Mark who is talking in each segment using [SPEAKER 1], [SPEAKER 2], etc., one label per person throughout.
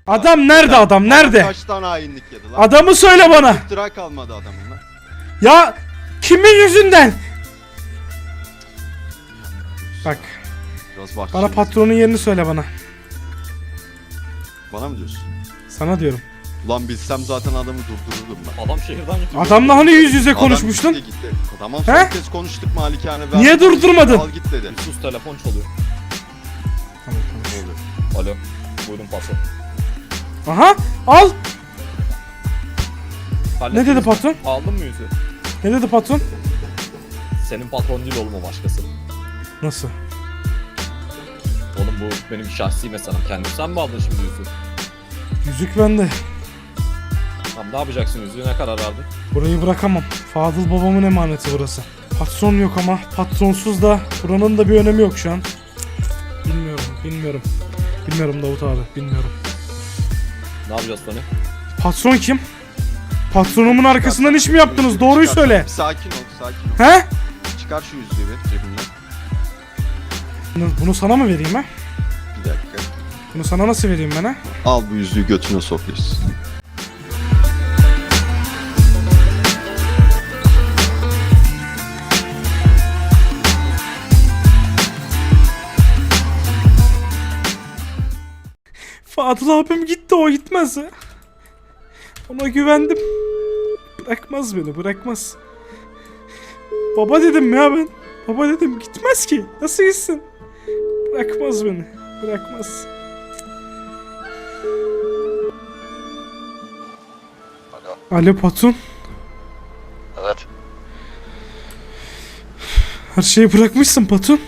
[SPEAKER 1] Adam nerede, adam nerede?
[SPEAKER 2] Kaç tane hainlik yedi lan?
[SPEAKER 1] Adamı söyle bana.
[SPEAKER 2] İftira kalmadı adamın lan.
[SPEAKER 1] Ya kimin yüzünden? Bak.
[SPEAKER 2] Biraz bak.
[SPEAKER 1] Bana patronun yerini söyle bana.
[SPEAKER 2] Bana mı diyorsun?
[SPEAKER 1] Sana diyorum.
[SPEAKER 2] Ulan bilsem zaten adamı durdururdum ben.
[SPEAKER 3] Adam şehirden gitti.
[SPEAKER 1] Adamla hani yüz yüze
[SPEAKER 2] Adam
[SPEAKER 1] konuşmuştun?
[SPEAKER 2] gitti. Tamam
[SPEAKER 1] He?
[SPEAKER 2] son kez konuştuk malikane.
[SPEAKER 1] Niye durdurmadın?
[SPEAKER 2] Al git dedi.
[SPEAKER 3] Sus, telefon çalıyor.
[SPEAKER 1] Tamam,
[SPEAKER 2] Ne oluyor?
[SPEAKER 3] Alo. Buyurun patron.
[SPEAKER 1] Aha, al. Ne
[SPEAKER 3] Hallettiniz
[SPEAKER 1] dedi
[SPEAKER 3] mi?
[SPEAKER 1] patron?
[SPEAKER 3] Aldın mı yüzü?
[SPEAKER 1] Ne dedi patron?
[SPEAKER 3] Senin patron değil oğlum, o başkası.
[SPEAKER 1] Nasıl?
[SPEAKER 3] Oğlum bu benim şahsi meselem. Kendim sen mi aldın şimdi yüzü?
[SPEAKER 1] Yüzük bende.
[SPEAKER 3] Tamam, ne yapacaksın yüzüğü, ne karar verdin?
[SPEAKER 1] Burayı bırakamam. Fadıl babamın emaneti burası. Patron yok ama patronsuz da buranın da bir önemi yok şu an. Bilmiyorum. Bilmiyorum Davut abi, bilmiyorum.
[SPEAKER 3] Ne yapacağız Tony?
[SPEAKER 1] Patron kim? Patronumun arkasından iş mi yaptınız? Doğruyu
[SPEAKER 2] Çıkar.
[SPEAKER 1] söyle.
[SPEAKER 2] Bir sakin ol, sakin ol.
[SPEAKER 1] He?
[SPEAKER 2] Çıkar şu yüzüğü bir cebinden.
[SPEAKER 1] Bunu sana mı vereyim ha?
[SPEAKER 2] Bir dakika.
[SPEAKER 1] Bunu sana nasıl vereyim ben ha?
[SPEAKER 2] Al bu yüzüğü götüne sokuyorsun.
[SPEAKER 1] Fadıl abim gitti, o gitmez ha. Ona güvendim. Bırakmaz beni, bırakmaz. Baba dedim ya ben. Baba dedim, gitmez ki. Nasıl gitsin? Bırakmaz beni. Bırakmaz. Alo patron.
[SPEAKER 4] Evet.
[SPEAKER 1] Her şeyi bırakmışsın patron.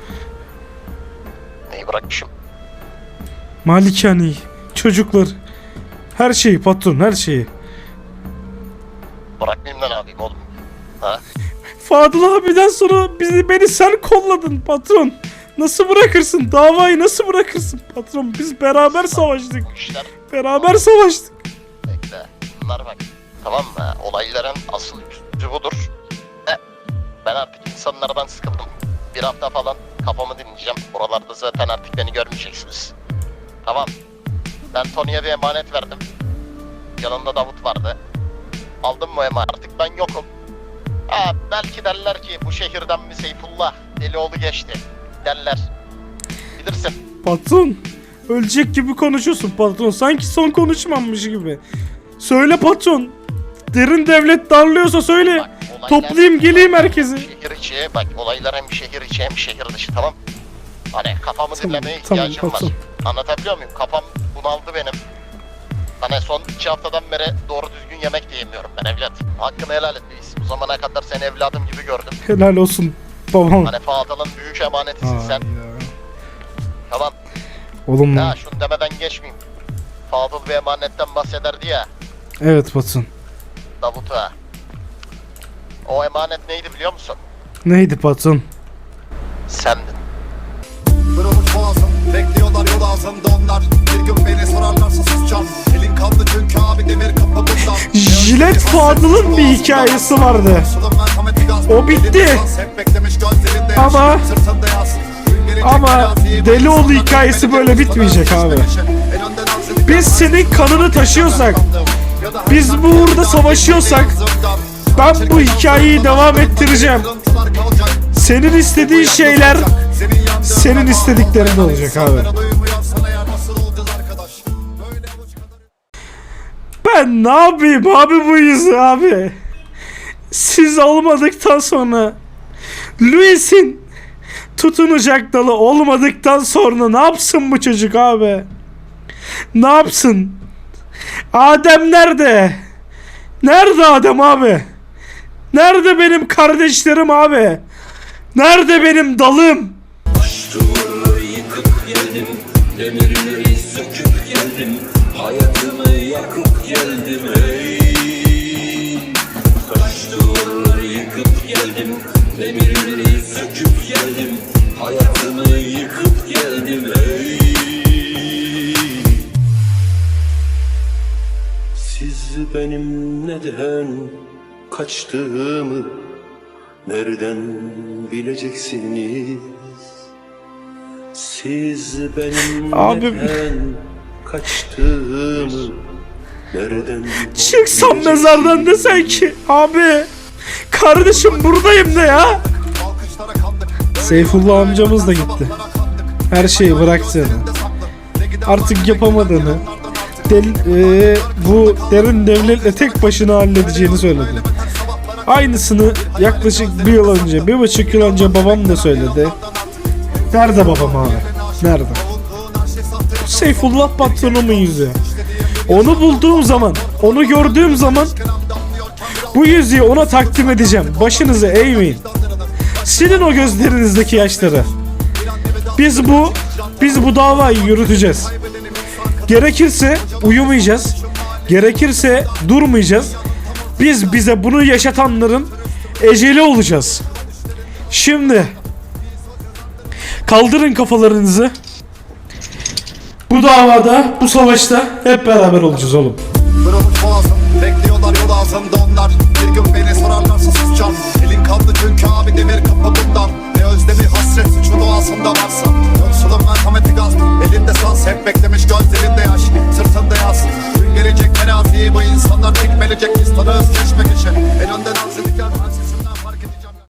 [SPEAKER 4] Neyi bırakmışım?
[SPEAKER 1] Malikaneyi, çocuklar. Her şeyi patron, her şeyi.
[SPEAKER 4] Bırakmayayım da ne yapayım oğlum? Ha?
[SPEAKER 1] Fadıl abiden sonra beni sen kolladın patron. Nasıl bırakırsın? Davayı nasıl bırakırsın patron? Biz beraber savaştık.
[SPEAKER 4] Bu işler
[SPEAKER 1] Beraber savaştık.
[SPEAKER 4] bekle. Bunlar bak. Tamam mı? Olayların asıl yüzü budur. Ben artık insanlardan sıkıldım. Bir hafta falan kafamı dinleyeceğim. Buralarda zaten artık beni görmeyeceksiniz. Tamam. Ben Tony'ye bir emanet verdim. Yanında Davut vardı. Aldım mı emanet? Artık ben yokum. Ha, belki derler ki bu şehirden mi Seyfullah Delioğlu geçti derler. Bilirsin.
[SPEAKER 1] Patron, ölecek gibi konuşuyorsun patron. Sanki son konuşmamış gibi. Söyle patron. Derin devlet darlıyorsa söyle.
[SPEAKER 4] Bak, olaylar-
[SPEAKER 1] Toplayayım geleyim herkesi.
[SPEAKER 4] Şehir içi bak, olaylar hem şehir içi hem şehir dışı, tamam. Hani kafamı
[SPEAKER 1] Tamam,
[SPEAKER 4] dinlemeye
[SPEAKER 1] tamam,
[SPEAKER 4] ihtiyacım
[SPEAKER 1] patron.
[SPEAKER 4] var. Anlatabiliyor muyum? Kafam bunaldı benim. Hani son 2 haftadan beri doğru düzgün yemek de yemiyorum ben evlat. Hakkını helal et reis. Bu zamana kadar seni evladım gibi gördüm.
[SPEAKER 1] Helal olsun babam.
[SPEAKER 4] Hani Fadıl'ın büyük emanetisin sen. Tamam.
[SPEAKER 1] Oğlum
[SPEAKER 4] Ya şunu demeden geçmeyeyim. Fadıl bir emanetten bahsederdi ya.
[SPEAKER 1] evet patron.
[SPEAKER 4] Davut'a. O emanet neydi biliyor musun?
[SPEAKER 1] Neydi patron?
[SPEAKER 4] Sendin.
[SPEAKER 5] Kırılmış boğazım, bekliyorlar yol ağzımda onlar. Bir gün beni sorarlarsa susacağım. Elin kanlı çünkü abi demir kapı bundan.
[SPEAKER 1] Jilet Fadıl'ın bir hikayesi vardı. O bitti. Ama Delioğlu hikayesi böyle bitmeyecek abi. Biz senin kanını taşıyorsak, biz bu uğurda savaşıyorsak, ben bu hikayeyi devam ettireceğim. Senin istediğin şeyler senin istediklerin olacak abi. Ben ne yapayım abi bu yüzü abi? Siz olmadıktan sonra, Luis'in tutunacak dalı olmadıktan sonra ne yapsın bu çocuk abi? Ne yapsın? Adem nerede? Nerede Adem abi? Nerede benim kardeşlerim abi? Nerede benim dalım?
[SPEAKER 6] Taş duvarları yıkıp geldim, demirleri söküp geldim, hayatımı yakıp geldim ey. Taş duvarları yıkıp geldim, demirleri söküp geldim, hayatımı yıkıp geldim ey. Siz benim neden kaçtığımı nereden bileceksiniz? Siz benim
[SPEAKER 1] Abim.
[SPEAKER 6] neden kaçtığımı nereden
[SPEAKER 1] Çıksam mezardan desen ki abi kardeşim buradayım de ya.
[SPEAKER 5] Alkışlara kandık.
[SPEAKER 1] Seyfullah amcamız da gitti. Her şeyi bıraktığını, artık yapamadığını, bu derin devletle tek başına halledeceğini söyledi. Aynısını yaklaşık 1 yıl önce, 1,5 yıl önce babam da söyledi. Nerede babam abi? Nerede? Seyfullah patronumun yüzü. Onu bulduğum zaman, onu gördüğüm zaman bu yüzüğü ona takdim edeceğim. Başınızı eğmeyin. Silin o gözlerinizdeki yaşları. Biz bu davayı yürüteceğiz. Gerekirse uyumayacağız. Gerekirse durmayacağız. Biz bize bunu yaşatanların eceli olacağız. Şimdi kaldırın kafalarınızı. Bu davada, bu savaşta hep beraber olacağız oğlum.
[SPEAKER 5] Kırılmış boğazım, bekliyorlar yol ağzımda onlar. Bir gün beni sorarlarsa susacağım. Elin kaldı çünkü abi demir kapı bundan. Ne özlemi hasret suçu doğasında varsa. Yoksulun merhameti gaz, elinde saz. Hep beklemiş gözlerinde yaş, sırtında yaz. Gün gelecek terazi, bu insanlar çekmelecek